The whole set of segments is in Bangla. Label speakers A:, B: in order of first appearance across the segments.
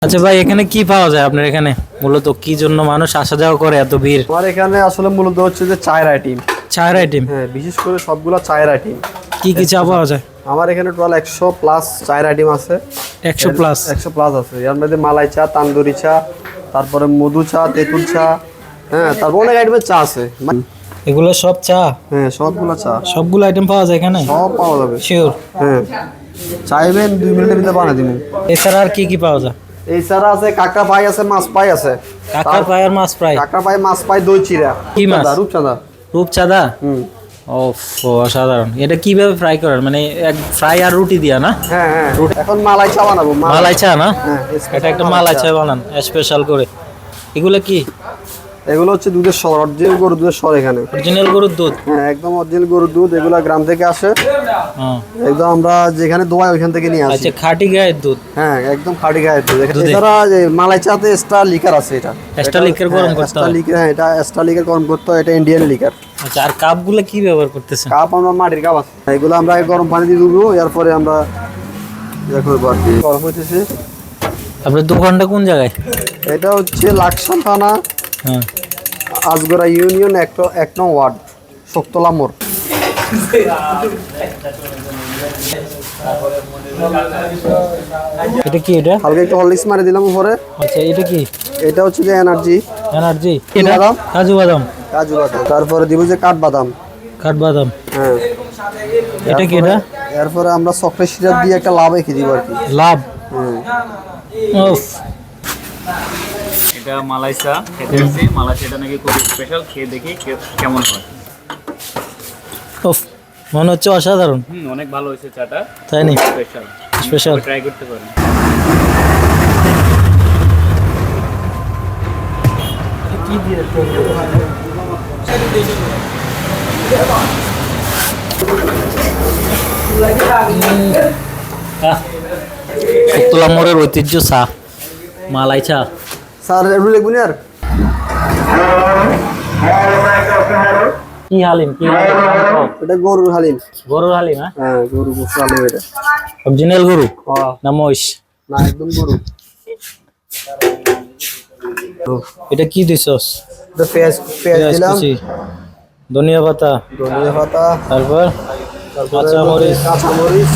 A: আচ্ছা ভাই, এখানে কি পাওয়া যায় আপনার এখানে? মূলত কি জন্য মানুষ আসা যাওয়া করে এত ভিড়?
B: আমার এখানে আসলে মূলত হচ্ছে যে চায়ের আইটেম।
A: চায়ের আইটেম?
B: হ্যাঁ, বিশেষ করে সবগুলা চায়ের আইটেম।
A: কি কি চা পাওয়া যায়?
B: আমার এখানে টোটাল 100 প্লাস চায়ের আইটেম আছে।
A: 100 প্লাস?
B: 100 প্লাস আছে। এর মধ্যে মালাই চা, তান্দুরি চা, তারপরে মধু চা, তেঁতুল চা, হ্যাঁ, তারপর অনেক আইটেমের চা আছে।
A: এগুলো সব চা?
B: হ্যাঁ, সবগুলা চা,
A: সবগুলো আইটেম পাওয়া যায় এখানে?
B: সব পাওয়া যাবে।
A: শিওর?
B: হ্যাঁ, চাইবেন 2 মিনিটের ভিতরে বানিয়ে দিবেন।
A: এছাড়া আর কি কি পাওয়া যায়?
B: এছাড়া আছে কাঁকড়া পাই আছে, মাছ পাই আছে।
A: কাঁকড়া ফ্রাই আর মাছ ফ্রাই?
B: কাঁকড়া পাই, মাছ পাই, দই চিরা।
A: কি মাছ?
B: রূপচাঁদা।
A: রূপচাঁদা? ওফ, অসাধারণ। এটা কিভাবে ফ্রাই করেন? মানে এক ফ্রাই আর রুটি দিয়া না?
B: হ্যাঁ হ্যাঁ, এখন মালাই চা বানাবো।
A: মালাই চা না?
B: হ্যাঁ,
A: এটা একটা মালাই চা বানান স্পেশাল করে। এগুলো কি?
B: এগুলো হচ্ছে দুধের সর, অরিজিনাল গরুর দুধের সর। এখানে
A: অরিজিনাল গরুর দুধ?
B: হ্যাঁ, একদম অরিজিনাল গরুর দুধ। এগুলা গ্রাম থেকে আসে।
A: হ্যাঁ,
B: একদম আমরা যেখানে দোয়াই ওইখান থেকে নিয়ে আসি।
A: আচ্ছা, খাঁটি গায়ের দুধ?
B: হ্যাঁ, একদম খাঁটি গায়ের দুধ। এছাড়া যে মালাই চাতে এক্সট্রা লিকার আছে। এটা
A: এক্সট্রা লিকার গরম করতে হয়?
B: হ্যাঁ, এটা এক্সট্রা লিকার গরম করতে হয়। এটা ইন্ডিয়ান লিকার।
A: আচ্ছা, আর কাপগুলো কি ব্যবহার করতেছেন?
B: কাপ আমরা মাটির কাপ আছে। এগুলো আমরা গরম পানি দিয়ে ধুবো, এরপরে আমরা করবো আর কি। গরম হইতেছে।
A: আপনার দোকানটা কোন জায়গায়?
B: এটা হচ্ছে লাকসাম থানা,
A: হ্যাঁ,
B: আজগরা ইউনিয়ন, 1 নং ওয়ার্ড, শোকতলা মোড়।
A: এটা কি? এটা
B: হালকা একটু হরলিক্স মারি দিলাম উপরে।
A: আচ্ছা, এটা কি?
B: এটা হচ্ছে যে এনার্জি।
A: এনার্জি?
B: বাদাম,
A: কাজু বাদাম?
B: কাজু বাদাম। তারপরে দিব যে কাঠবাদাম।
A: কাঠবাদাম?
B: হ্যাঁ।
A: এটা কি? এটা
B: এরপরে আমরা চকলেট সিরাপ দিয়ে একটা লাভ রেখে দিব আর কি।
A: লাভ?
B: হ্যাঁ।
A: উফ,
C: এটা মালাই চা খেতে আসছি। মালাই চাটা নাকি খুব স্পেশাল, খেয়ে দেখি কেমন হয়।
A: উফ, মনে হচ্ছে অসাধারণ।
C: অনেক ভালো হয়েছে চাটা,
A: তাই নি?
C: Special
A: special?
C: ট্রাই করতে পারেন।
A: শুক্তলা মোড়ের ঐতিহ্য চা, মালাই চা।
B: স্যার একটু লিখবেন আর।
A: কি হালিম? কি হালিম?
B: এটা গরুর হালিম।
A: গরুর হালিম?
B: হ্যাঁ, গরুর গোশত হালিম এটা।
A: অরিজিনাল গরু
B: হ্যাঁ,
A: না মহিষ?
B: না, একদম গরু।
A: এটা কি দিছস?
B: এটা পেঁয়াজ দিলাম,
A: কুচি, ধনিয়া পাতা,
B: ধনিয়া পাতা,
A: তারপর কাঁচা মরিচ।
B: কাঁচামরিচ।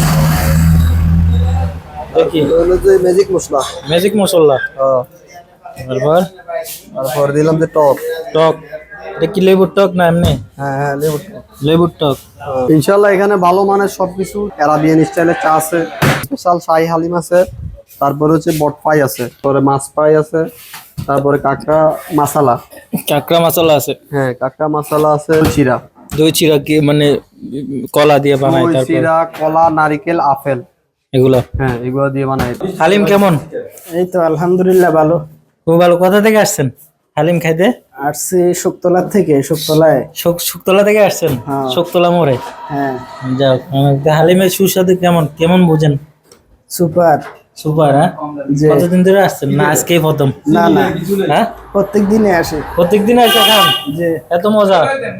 A: দেখি,
B: হলো যে ম্যাজিক মশলা।
A: ম্যাজিক মশলা?
B: হ্যাঁ।
A: তারপর
B: তারপর দিলাম যে টক।
A: টক? এটা কি লেবুর টক না এমনি?
B: হ্যাঁ হ্যাঁ, লেবু টক।
A: লেবুর টক।
B: ইনশাল্লাহ এখানে ভালো মানের সবকিছু। অ্যারাবিয়ান স্টাইলের চা আছে, স্পেশাল শাহী হালিম আছে, তারপরে হচ্ছে বট পাই আছে, তারপরে মাছ পাই আছে, তারপরে কাঁকড়া মশলা।
A: কাঁকড়া মশলা আছে?
B: হ্যাঁ, কাঁকড়া মশলা আছে। চিরা,
A: দই চিরা কি মানে কলা দিয়ে বানায়?
B: দই
A: তারপর
B: চিরা, কলা, নারিকেল, আপেল,
A: এগুলো?
B: হ্যাঁ, এগুলো দিয়ে বানাই।
A: হালিম কেমন?
D: এই তো আলহামদুলিল্লাহ ভালো।
A: খুব ভালো। কোথা থেকে আসছেন হালিম খাইতে?
D: আসছি শুকতলা থেকে। শুকতলায়?
A: শুকতলা থেকে আসছেন?
D: হ্যাঁ।
A: শুকতলা মোড়ে?
D: হ্যাঁ।
A: যাক, হালিমের সুস্বাদু কেমন কেমন বুঝেন?
D: সুপার।
A: সুপার? হ্যাঁ।
D: যে
A: কতদিন ধরে আসছেন না আজকেই প্রথম?
D: না না,
A: হ্যাঁ,
D: প্রত্যেক দিনে আসে।
A: প্রত্যেকদিন এসে খান?
D: যে
A: এত মজা?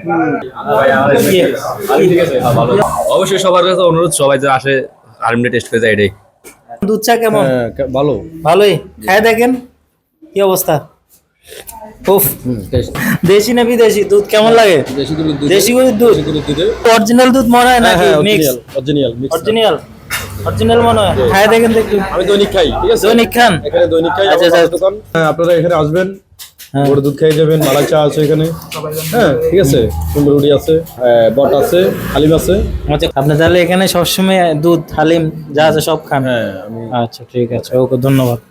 E: অবশ্যই সবার কাছে অনুরোধ, সবাই যে আসে হালিমটা টেস্ট করে যায় এটাই।
A: দুধ চা কেমন?
E: ভালো।
A: ভালোই। খাই দেখেন কি অবস্থা। উফ, দেশি না বিদেশি দুধ কেমন লাগে? দেশি গরুর দুধ? অরিজিনাল দুধ মনে হয় নাকি মিক্স? অরিজিনাল? অরিজিনাল মনে হয়। খাই দেখেন তো একটু।
E: আমি দৈনিক খাই, ঠিক আছে?
A: দৈনিক খান?
E: এখানে দৈনিক খাই।
A: আচ্ছা, আচ্ছা।
E: দোকান, আপনারা এখানে আসবেন,
A: হ্যাঁ।
E: গরুর দুধ খেয়ে যাবেন। মালাই চা আছে এখানে, হ্যাঁ, ঠিক আছে? সুন্দর রুটি আছে, বট আছে, হালিম আছে।
A: আচ্ছা, আপনি তাহলে এখানে সবসময় দুধ হালিম যা আছে সব খান?
E: হ্যাঁ,
A: আচ্ছা, ঠিক আছে, ওকে, ধন্যবাদ।